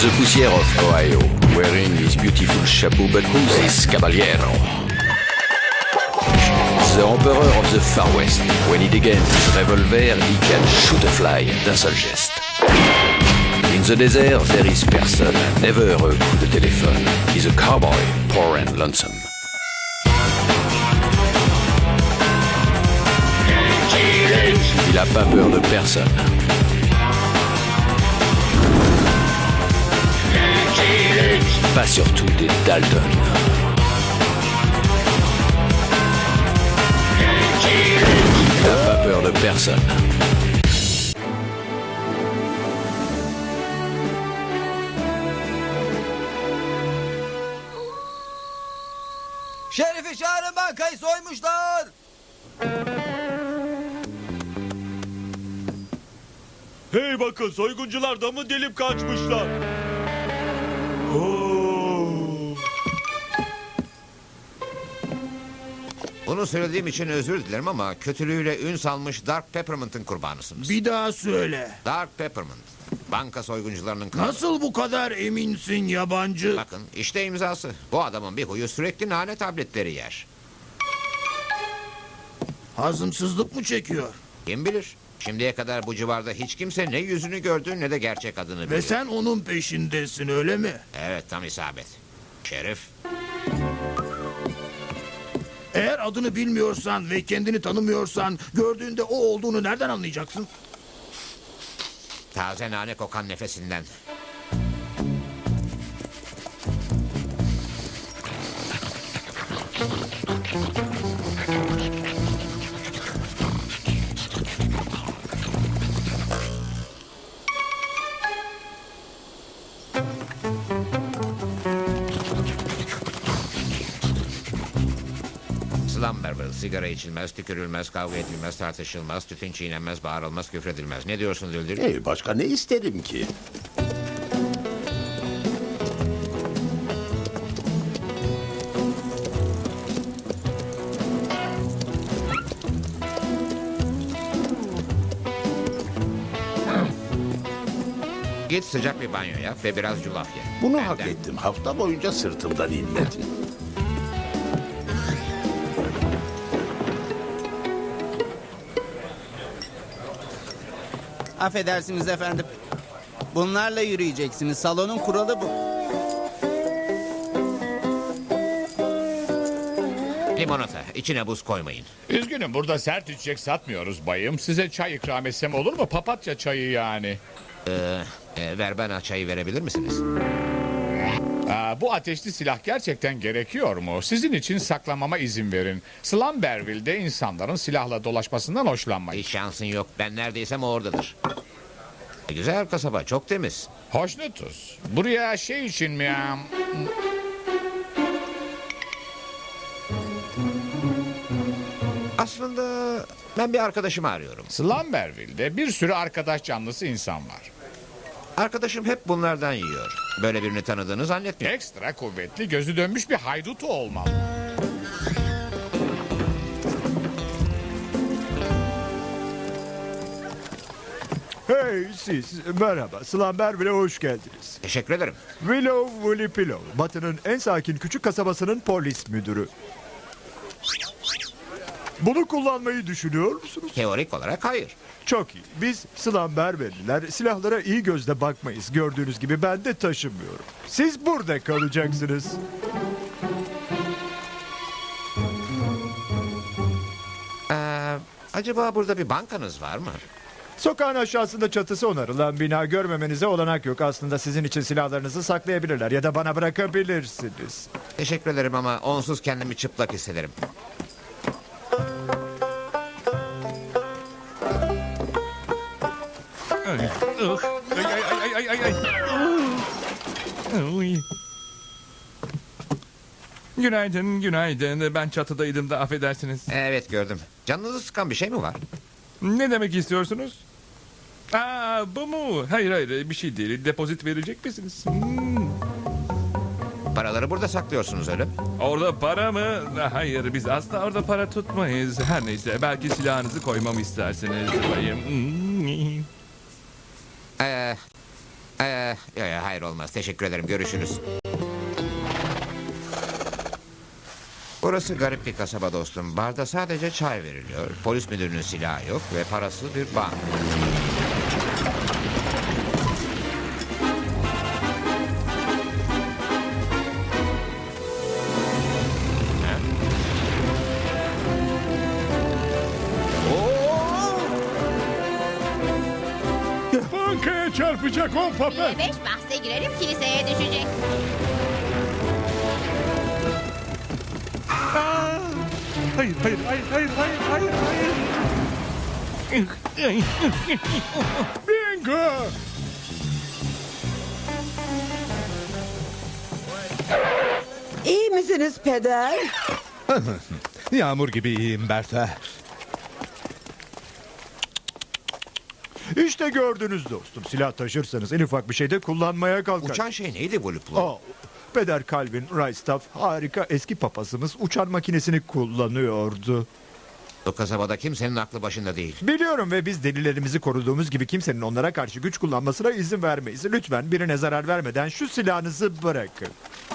the poussière of Ohio, wearing his beautiful chapeau, but who's this caballero? The emperor of the Far West. When he degains his revolver, he can shoot a fly d'un seul geste. In the desert, there is person, never a coup de téléphone. He's a cowboy, poor and lonesome. Il a pas peur de personne. Pas surtout des Dalton. Il n'a pas peur de personne. Şerifi çağırın, bankayı soymuşlar. Hey bakın, soyguncular da mı delip kaçmışlar? Oo. Bunu söylediğim için özür dilerim ama kötülüğüyle ün salmış Dark Peppermint'in kurbanısınız. Bir daha söyle. Dark Peppermint. Banka soyguncularının kralı. Nasıl bu kadar eminsin yabancı? Bakın işte imzası. Bu adamın bir huyu sürekli nane tabletleri yer. Hazımsızlık mı çekiyor? Kim bilir? Şimdiye kadar bu civarda hiç kimse ne yüzünü gördü ne de gerçek adını biliyor. Ve sen onun peşindesin öyle mi? Evet, tam isabet. Şerif. Eğer adını bilmiyorsan ve kendini tanımıyorsan gördüğünde o olduğunu nereden anlayacaksın? Taze nane kokan nefesinden. Slumberville, sigara içilmez, tükürülmez, kavga edilmez, tartışılmaz, tütün çiğnenmez, bağırılmaz, küfredilmez. Ne diyorsun Düldül? Başka ne isterim ki? Git sıcak bir banyo yap ve biraz yulaf ye. Bunu Benden. hak ettim. Hafta boyunca sırtımdan inledin. Affedersiniz efendim. Bunlarla yürüyeceksiniz. Salonun kuralı bu. Limonata, içine buz koymayın. Üzgünüm, burada sert içecek satmıyoruz bayım. Size çay ikram etsem olur mu? Papatya çayı yani. Ver bana çayı verebilir misiniz? Bu ateşli silah gerçekten gerekiyor mu? Sizin için saklamama izin verin. Slumberville'de insanların silahla dolaşmasından hoşlanmayın. Hiç şansın yok. Ben neredeysem o oradadır. Güzel kasaba, çok temiz. Hoşnutuz. Buraya şey için mi ya? Aslında ben bir arkadaşımı arıyorum. Slumberville'de bir sürü arkadaş canlısı insan var. Arkadaşım hep bunlardan yiyor. Böyle birini tanıdığını zannetmiyorum. Ekstra kuvvetli, gözü dönmüş bir haydutu olmalı. Hey siz, merhaba. Slumberville'e hoş geldiniz. Teşekkür ederim. Willow Woolly Pillow, Batı'nın en sakin küçük kasabasının polis müdürü. Bunu kullanmayı düşünüyor musunuz? Teorik olarak hayır. Çok iyi. Biz Slumberville'liler silahlara iyi gözle bakmayız. Gördüğünüz gibi ben de taşımıyorum. Siz burada kalacaksınız. Acaba burada bir bankanız var mı? Sokağın aşağısında çatısı onarılan bina, görmemenize olanak yok. Aslında sizin için silahlarınızı saklayabilirler ya da bana bırakabilirsiniz. Teşekkür ederim ama onsuz kendimi çıplak hissederim. Günaydın, günaydın. Ben çatıdaydım da affedersiniz. Evet, gördüm. Canınızı sıkan bir şey mi var? Ne demek istiyorsunuz? Bu mu? Hayır, bir şey değil. Depozit verecek misiniz? Paraları burada saklıyorsunuz öyle mi? Orada para mı? Hayır, biz asla orada para tutmayız. Her neyse, belki silahınızı koymamı istersiniz bayım. Hayır olmaz. Teşekkür ederim. Görüşürüz. Burası garip bir kasaba dostum. Barda sadece çay veriliyor. Polis müdürünün silahı yok ve parası bir bank. Bankaya çarpacak o papel. 5 bahse girerim kiliseye düşecek. Hayır, hayır, hayır, hayır, hayır, hayır, hayır. Bingo! İyi misiniz peder? Yağmur gibi iyiyim Berta. İşte gördünüz dostum. Silah taşırsanız en ufak bir şeyde kullanmaya kalkar. Uçan şey neydi Voluplo? Peder Calvin Reistaff harika eski papazımız uçan makinesini kullanıyordu. Bu kasabada kimsenin aklı başında değil. Biliyorum ve biz delilerimizi koruduğumuz gibi kimsenin onlara karşı güç kullanmasına izin vermeyiz. Lütfen birine zarar vermeden şu silahınızı bırakın.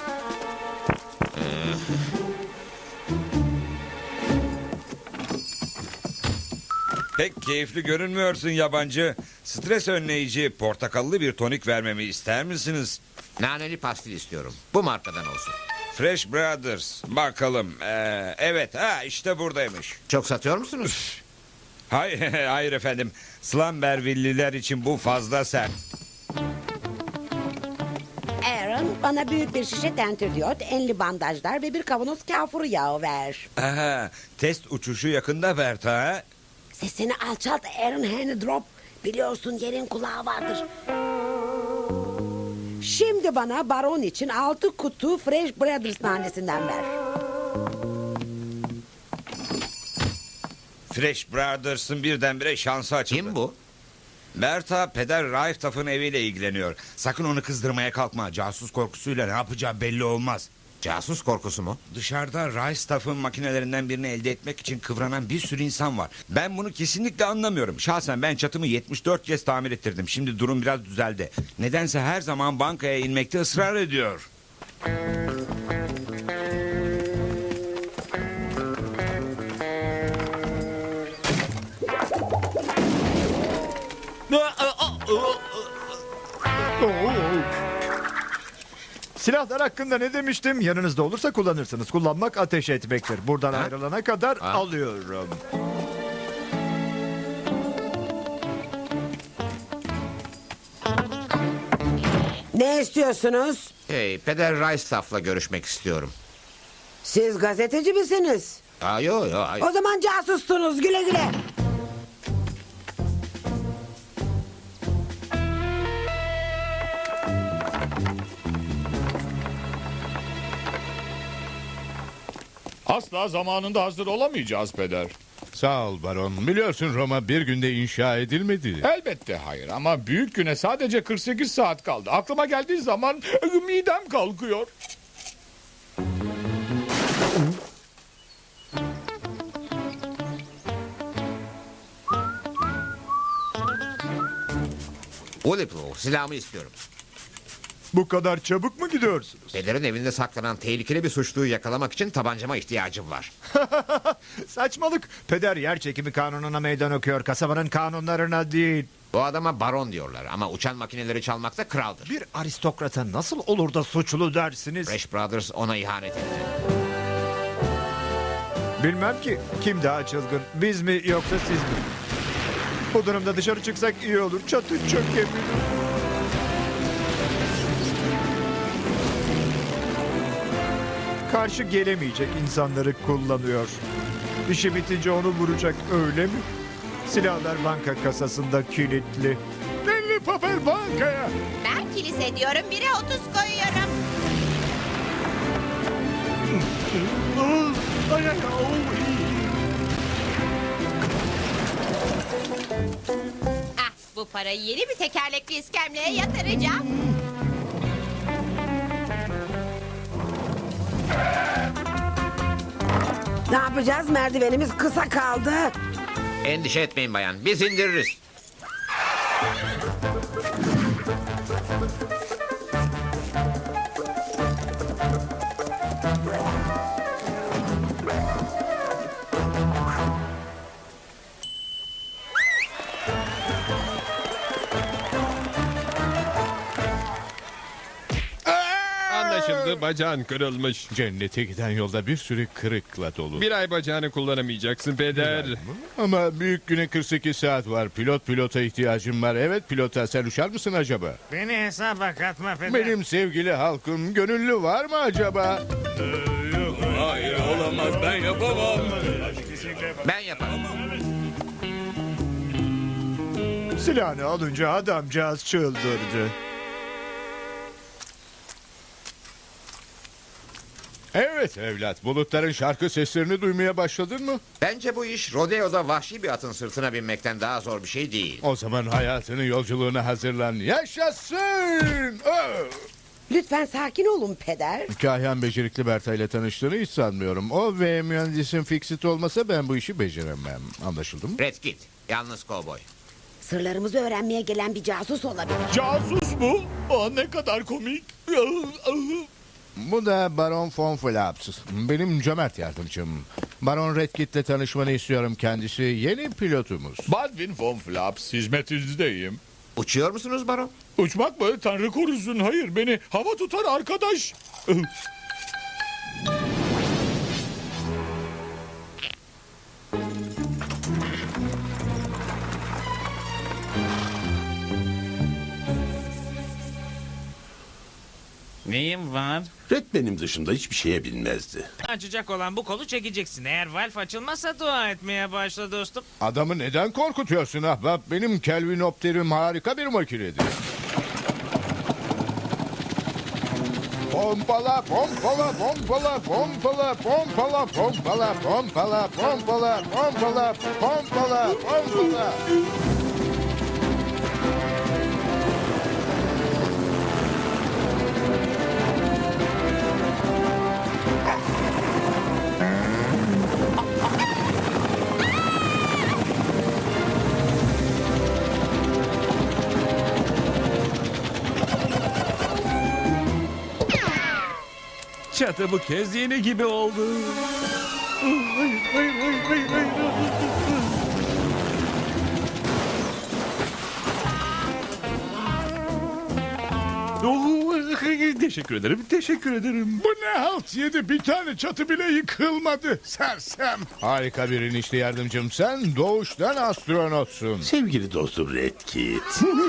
Pek keyifli görünmüyorsun yabancı. Stres önleyici portakallı bir tonik vermemi ister misiniz? Naneli pastil istiyorum. Bu markadan olsun. Fresh Brothers. Bakalım. Evet, işte buradaymış. Çok satıyor musunuz? Hayır, hayır efendim. Slumberville'liler için bu fazla sert. Aaron, bana büyük bir şişe tentürdiyot, enli bandajlar ve bir kavanoz kafur yağı ver. Aha, test uçuşu yakında Berta. Ha? Sesini alçalt Aaron Hennedrop. Biliyorsun yerin kulağı vardır. Şimdi bana baron için 6 kutu Fresh Brothers nanesinden ver. Fresh Brothers'ın birdenbire şansı açıldı. Kim bu? Berta, Peder Reistaff'ın eviyle ilgileniyor. Sakın onu kızdırmaya kalkma. Casus korkusuyla ne yapacağı belli olmaz. Casus korkusu mu? Dışarıda Reistaff'ın makinelerinden birini elde etmek için kıvranan bir sürü insan var. Ben bunu kesinlikle anlamıyorum. Şahsen ben çatımı 74 kez tamir ettirdim. Şimdi durum biraz düzeldi. Nedense her zaman bankaya inmekte ısrar ediyor. Silahlar hakkında ne demiştim? Yanınızda olursa kullanırsınız. Kullanmak ateş etmektir. Buradan ayrılana kadar alıyorum. Ne istiyorsunuz? Peder Reistaff'la görüşmek istiyorum. Siz gazeteci misiniz? Yo. O zaman casustunuz, güle güle. Asla zamanında hazır olamayacağız peder. Sağ ol baron. Biliyorsun Roma bir günde inşa edilmedi. Elbette hayır ama büyük güne sadece 48 saat kaldı. Aklıma geldiği zaman midem kalkıyor. Voluplo, silahımı istiyorum. Bu kadar çabuk mu gidiyorsunuz? Peder'in evinde saklanan tehlikeli bir suçluyu yakalamak için tabancama ihtiyacım var. Saçmalık. Peder yer çekimi kanununa meydan okuyor. Kasabanın kanunlarına değil. Bu adama baron diyorlar ama uçan makineleri çalmakta kraldır. Bir aristokrata nasıl olur da suçlu dersiniz? Fresh Brothers ona ihanet etti. Bilmem ki kim daha çılgın. Biz mi yoksa siz mi? Bu durumda dışarı çıksak iyi olur. Çatı çökebilir. Karşı gelemeyecek insanları kullanıyor. İşi bitince onu vuracak, öyle mi? Silahlar banka kasasında kilitli. Enli papel bankaya. Ben kilise diyorum, 1'e 30 koyuyorum. Bu parayı yeni bir tekerlekli iskemleye yatıracağım. Ne yapacağız? Merdivenimiz kısa kaldı. Endişe etmeyin bayan, biz indiririz. olmadı. Bacağın kırılmış. Cennete giden yolda bir sürü kırıkla dolu. Bir ay bacağını kullanamayacaksın peder. Ama büyük güne 48 saat var. Pilota ihtiyacım var. Evet pilota, sen uçar mısın acaba? Beni hesaba katma peder. Benim sevgili halkım, gönüllü var mı acaba? Hayır olamaz, ben yapamam. Ben yaparım. Silahını alınca adamcağız çıldırdı. Evet evlat, bulutların şarkı seslerini duymaya başladın mı? Bence bu iş rodeoda vahşi bir atın sırtına binmekten daha zor bir şey değil. O zaman hayatının yolculuğuna hazırlan. Yaşasın! Oh! Lütfen sakin olun peder. Kahyan becerikli Berta ile tanıştığını hiç sanmıyorum. O ve mühendisin Fixit olmasa ben bu işi beceremem. Anlaşıldı mı? Red git. Yalnız kovboy. Sırlarımızı öğrenmeye gelen bir casus olabilir. Casus mu? Ne kadar komik. Bu da Baron von Flaps. Benim cömert yardımcım. Baron Redkit'le tanışmanı istiyorum, kendisi yeni pilotumuz. Baldwin von Flaps, hizmetinizdeyim. Uçuyor musunuz baron? Uçmak mı? Tanrı korusun. Hayır, beni hava tutar arkadaş. Neyim var? Red benim dışında hiçbir şeye bilmezdi. Açacak olan bu kolu çekeceksin. Eğer valf açılmazsa dua etmeye başla dostum. Adamı neden korkutuyorsun ahbap? Benim Kelvinopterim harika bir makinedir. Pompala, pompala, pompala, pompala, pompala, pompala, pompala, pompala, pompala, pompala, pompala. Çatı bu kez yeni gibi oldu. Teşekkür ederim, teşekkür ederim. Bu ne halt yedi, bir tane çatı bile yıkılmadı. Sersem. Harika bir inişli yardımcım, sen doğuştan astronotsun. Sevgili dostum Redkit.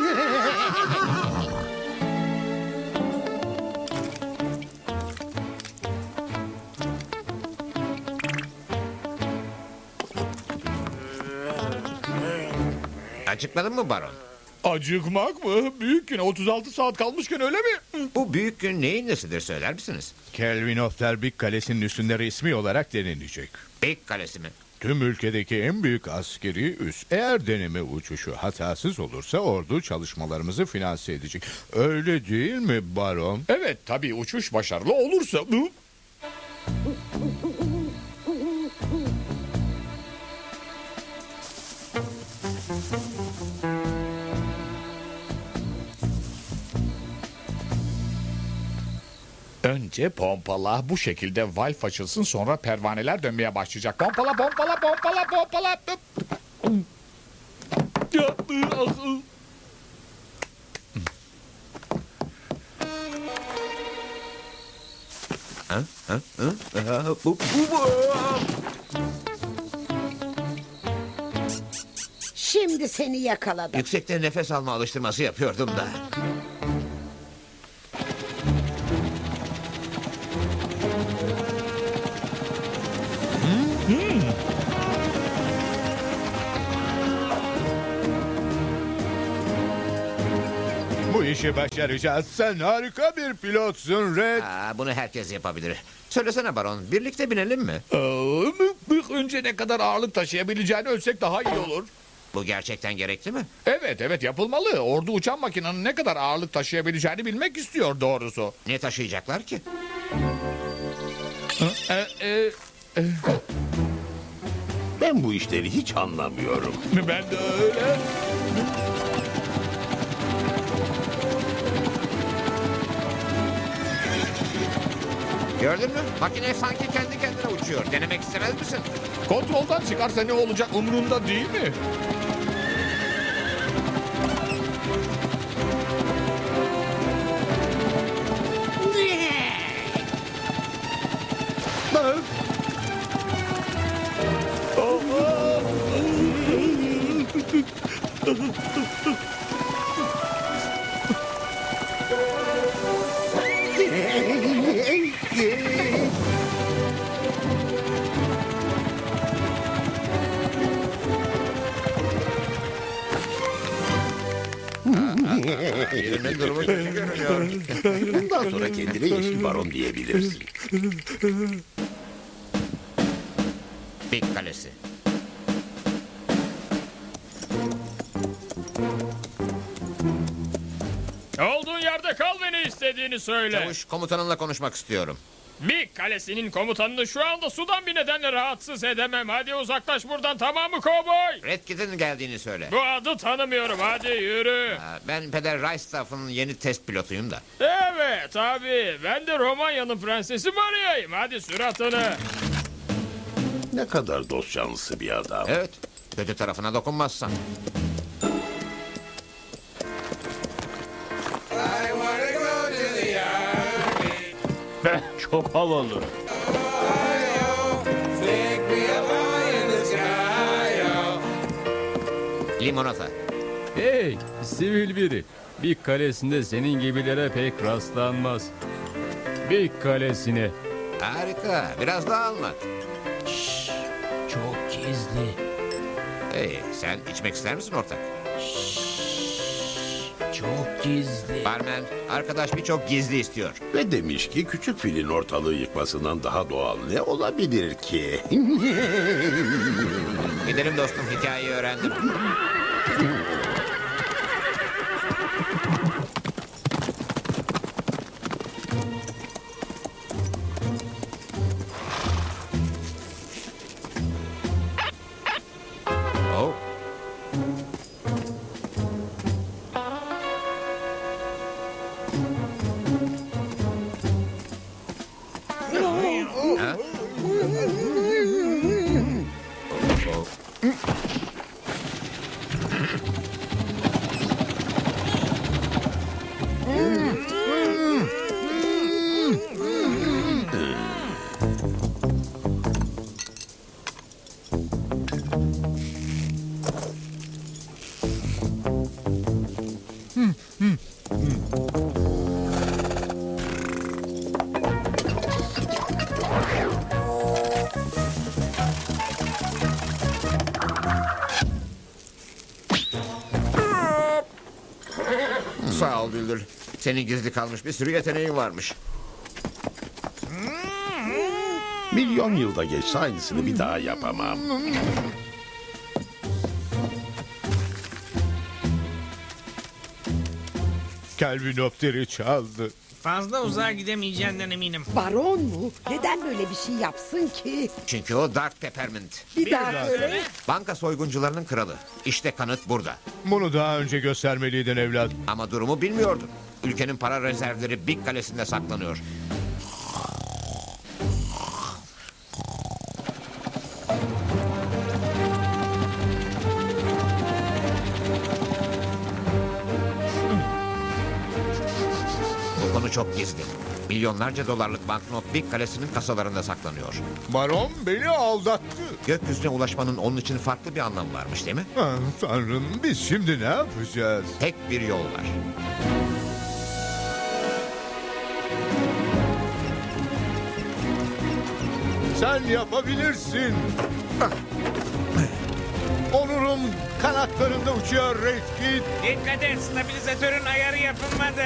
Acıkmadın mı baron? Acıkmak mı? Büyük güne 36 saat kalmışken öyle mi? Bu büyük gün neyin nesidir söyler misiniz? Kelvinopter Big Kalesi'nin üstünde resmi olarak denenecek. Big Kalesi mi? Tüm ülkedeki en büyük askeri üs. Eğer deneme uçuşu hatasız olursa ordu çalışmalarımızı finanse edecek. Öyle değil mi baron? Evet, tabii uçuş başarılı olursa. Önce pompala, bu şekilde valf açılsın, sonra pervaneler dönmeye başlayacak. Pompala, pompala, pompala, pompala. Şimdi seni yakaladım. Yüksekte nefes alma alıştırması yapıyordum da. Bu işi başaracağız. Sen harika bir pilotsun Red. Bunu herkes yapabilir. Söylesene baron, birlikte binelim mi? Önce ne kadar ağırlık taşıyabileceğini ölçsek daha iyi olur. Bu gerçekten gerekli mi? Evet yapılmalı. Ordu uçan makinenin ne kadar ağırlık taşıyabileceğini bilmek istiyor doğrusu. Ne taşıyacaklar ki? Ben bu işleri hiç anlamıyorum. Ben de öyle. Gördün mü? Makine sanki kendi kendine uçuyor. Denemek istemez misin? Kontroldan çıkarsa ne olacak umurunda değil mi? Birinin durumu kötü görünüyor. Bundan sonra kendine Yeşil Baron diyebilirsin. Big Kalesi. Olduğun yerde kal ve ne istediğini söyle. Çavuş, komutanınla konuşmak istiyorum. Big Kalesi'nin komutanını şu anda sudan bir nedenle rahatsız edemem. Hadi uzaklaş buradan, tamam mı kovboy? Red Kit'in geldiğini söyle. Bu adı tanımıyorum, hadi yürü. Ben Peder Reistaff'ın yeni test pilotuyum da. Evet abi, ben de Romanya'nın prensesi Maria'yım. Hadi sür atını. Ne kadar dost canlısı bir adam. Evet, kötü tarafına dokunmazsan. Çok havalı. Limonata. Hey, sivil biri. Bir kalesinde senin gibilere pek rastlanmaz. Bir kalesine. Harika, biraz daha anlat. Çok gizli. Hey, sen içmek ister misin ortak? Çok gizli. Barmen, arkadaş birçok gizli istiyor. Ve demiş ki küçük filin ortalığı yıkmasından daha doğal ne olabilir ki? Gidelim dostum, hikayeyi öğrendim. Oh. Ha? Sağ ol Düldül. Senin gizli kalmış bir sürü yeteneğin varmış. Milyon yılda geçse aynısını bir daha yapamam. Kelvinopteri çaldı. Fazla uzağa gidemeyeceğinden eminim. Baron mu? Neden böyle bir şey yapsın ki? Çünkü o Dark Peppermint. Bir daha söyle. Banka soyguncularının kralı. İşte kanıt burada. Bunu daha önce göstermeliydin evlat. Ama durumu bilmiyordun. Ülkenin para rezervleri Big Kalesi'nde saklanıyor. Bu konu çok gizli. Milyonlarca dolarlık banknot Big Kalesi'nin kasalarında saklanıyor. Baron beni aldattı. Gökyüzüne ulaşmanın onun için farklı bir anlamı varmış değil mi? Ah, Tanrım, biz şimdi ne yapacağız? Tek bir yol var. Sen yapabilirsin. Onurum kanatlarında uçuyor Red Kit. Dikkat et, stabilizatörün ayarı yapılmadı.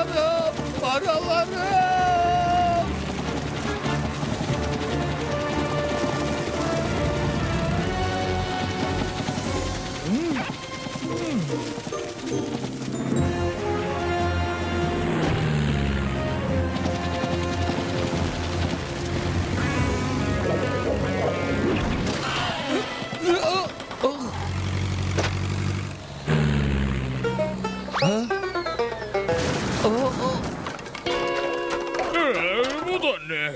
Paralarım, paralarım. Bu da ne?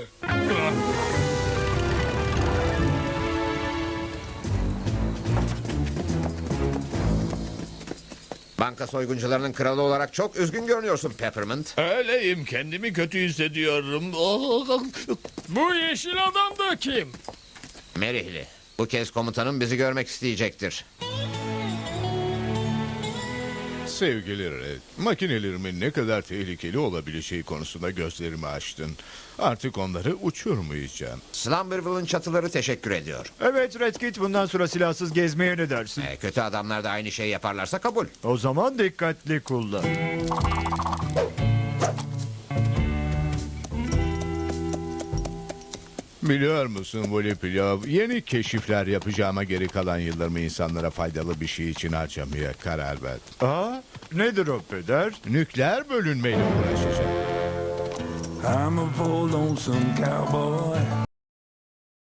Banka soyguncularının kralı olarak çok üzgün görünüyorsun Peppermint. Öyleyim, kendimi kötü hissediyorum. Bu yeşil adam da kim? Merihli. Bu kez komutanım bizi görmek isteyecektir. Sevgili Red, makinelerimin ne kadar tehlikeli olabileceği konusunda gözlerimi açtın. Artık onları uçurmayacağım. Slumberville'ın çatıları teşekkür ediyor. Evet Red Kit, bundan sonra silahsız gezmeye ne dersin? Kötü adamlar da aynı şeyi yaparlarsa kabul. O zaman dikkatli kullan. Biliyor musun Volipilov, yeni keşifler yapacağıma geri kalan yıllarımı insanlara faydalı bir şey için harcamaya karar verdim. Aa, nedir o peder? Nükleer bölünmeyle uğraşacağım. I'm a poor lonesome cowboy.